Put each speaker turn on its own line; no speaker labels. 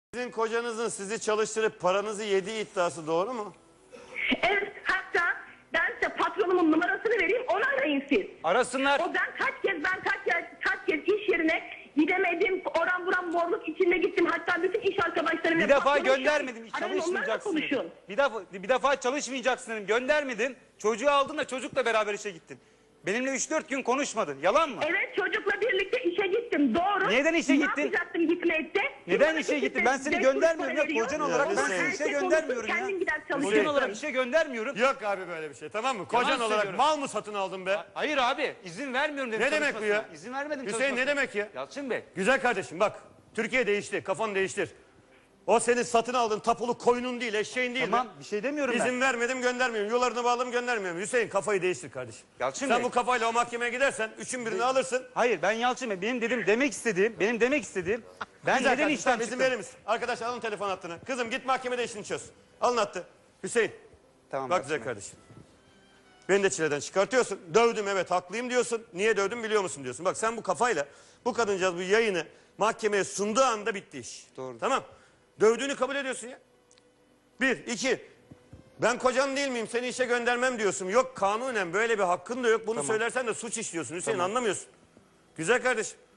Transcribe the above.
Sizin kocanızın sizi çalıştırıp paranızı yediği iddiası doğru mu?
Evet, hatta ben size patronumun numarasını vereyim, onu arayın siz.
Arasınlar.
O ben kaç kez iş yerine gidemedim, oran buran morluk içinde gittim. Hatta bütün iş arkadaşlarımla...
Bir defa
patronum
göndermedim. Hiç
arayın, onlarla
çalışmayacaksın dedim.
konuşun.
Bir defa çalışmayacaksın dedim. Göndermedim. Çocuğu aldın da çocukla beraber işe gittin. Benimle 3-4 gün konuşmadın. Yalan mı?
Evet, çocukla birlikte işe gittim, doğru.
Neden işe gittin?
Ne yapacaktım gitmeyip de?
Neden işe gittin? Ben seni göndermiyorum ya. Kocan olarak ben seni işe göndermiyorum ya.
Kendim gider
Kocan
çalışıyorum.
olarak işe göndermiyorum.
Yok abi böyle bir şey, tamam mı? Kocan
Yalan
olarak
söylüyorum.
mal mı satın aldın be?
Hayır abi, izin vermiyorum dedim.
Ne demek bu ya?
çalışmasına. İzin vermedim
Hüseyin
çalışmasına.
ne demek ya?
Yalçın Bey.
Güzel kardeşim bak, Türkiye değişti, kafanı değiştir. O senin satın aldığın tapulu koyunun değil, eşeğin değil.
Tamam, bir şey demiyorum ben.
İzin vermedim, göndermiyorum. Yollarını bağladım, göndermiyorum. Hüseyin kafayı değiştir kardeşim.
Yalçın
Sen
Bey.
bu kafayla o mahkemeye gidersen üçün birini alırsın.
Hayır, ben Yalçın Bey. Benim demek istediğim ben
Güzel
neden
kardeşim,
işten
sen izin
çıktım?
verir misin? Arkadaş alın telefon hattını. Kızım git mahkemede işini çöz. Alın hattı. Hüseyin.
Tamam.
Bak
Yalçın
güzel
Bey.
kardeşim. Beni de çileden çıkartıyorsun. Dövdüm evet haklıyım diyorsun. Niye dövdüm biliyor musun diyorsun. Bak sen bu kafayla bu kadıncağız bu yayını mahkemeye sunduğu anda bitti iş.
Doğru.
Tamam. Dövdüğünü kabul ediyorsun ya. Bir, iki. Ben kocan değil miyim? Seni işe göndermem diyorsun. Yok kanunen böyle bir hakkın da yok. Bunu
Tamam.
söylersen de suç işliyorsun. Hüseyin
Tamam.
anlamıyorsun. Güzel kardeşim.